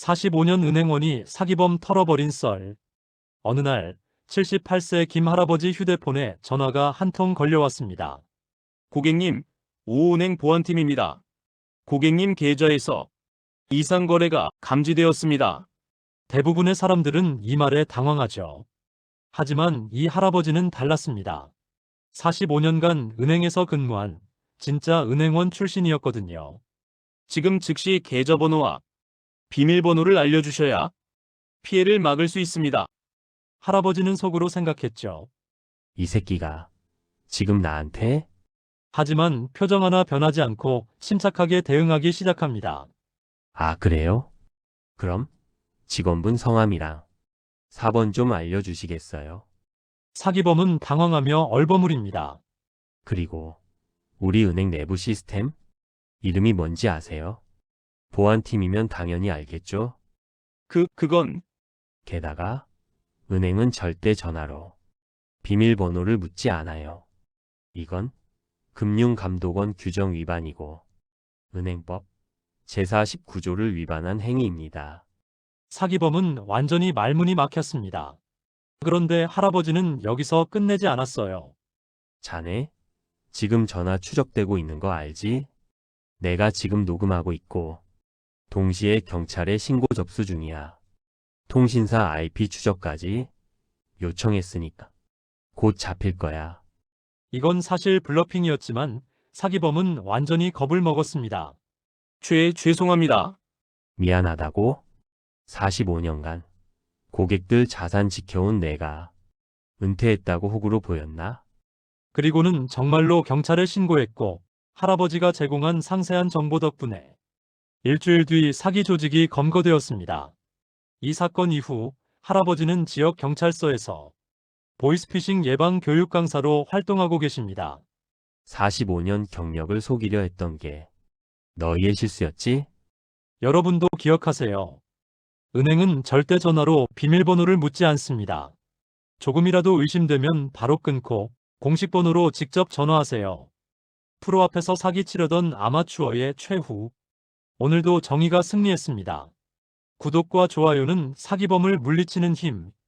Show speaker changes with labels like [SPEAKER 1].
[SPEAKER 1] 45년 은행원이 사기범 털어버린 썰. 어느 날 78세 김 할아버지 휴대폰에 전화가 한 통 걸려왔습니다.
[SPEAKER 2] 고객님, 오은행 보안팀입니다. 고객님 계좌에서 이상 거래가 감지되었습니다.
[SPEAKER 1] 대부분의 사람들은 이 말에 당황하죠. 하지만 이 할아버지는 달랐습니다. 45년간 은행에서 근무한 진짜 은행원 출신이었거든요.
[SPEAKER 2] 지금 즉시 계좌번호와 비밀번호를 알려주셔야 피해를 막을 수 있습니다.
[SPEAKER 1] 할아버지는 속으로 생각했죠.
[SPEAKER 3] 이 새끼가 지금 나한테?
[SPEAKER 1] 하지만 표정 하나 변하지 않고 침착하게 대응하기 시작합니다.
[SPEAKER 3] 아, 그래요? 그럼 직원분 성함이랑 4번 좀 알려주시겠어요?
[SPEAKER 1] 사기범은 당황하며 얼버무립니다.
[SPEAKER 3] 그리고 우리 은행 내부 시스템? 이름이 뭔지 아세요? 보안팀이면 당연히 알겠죠?
[SPEAKER 2] 그건
[SPEAKER 3] 게다가 은행은 절대 전화로 비밀번호를 묻지 않아요. 이건 금융감독원 규정 위반이고 은행법 제49조를 위반한 행위입니다.
[SPEAKER 1] 사기범은 완전히 말문이 막혔습니다. 그런데 할아버지는 여기서 끝내지 않았어요.
[SPEAKER 3] 자네, 지금 전화 추적되고 있는 거 알지? 내가 지금 녹음하고 있고 동시에 경찰에 신고 접수 중이야. 통신사 IP 추적까지 요청했으니까 곧 잡힐 거야.
[SPEAKER 1] 이건 사실 블러핑이었지만 사기범은 완전히 겁을 먹었습니다.
[SPEAKER 2] 죄송합니다.
[SPEAKER 3] 미안하다고? 45년간 고객들 자산 지켜온 내가 은퇴했다고 호구로 보였나?
[SPEAKER 1] 그리고는 정말로 경찰에 신고했고 할아버지가 제공한 상세한 정보 덕분에 일주일 뒤 사기 조직이 검거되었습니다. 이 사건 이후 할아버지는 지역 경찰서에서 보이스피싱 예방 교육 강사로 활동하고 계십니다.
[SPEAKER 3] 45년 경력을 속이려 했던 게 너희의 실수였지?
[SPEAKER 1] 여러분도 기억하세요. 은행은 절대 전화로 비밀번호를 묻지 않습니다. 조금이라도 의심되면 바로 끊고 공식 번호로 직접 전화하세요. 프로 앞에서 사기치려던 아마추어의 최후. 오늘도 정의가 승리했습니다. 구독과 좋아요는 사기범을 물리치는 힘.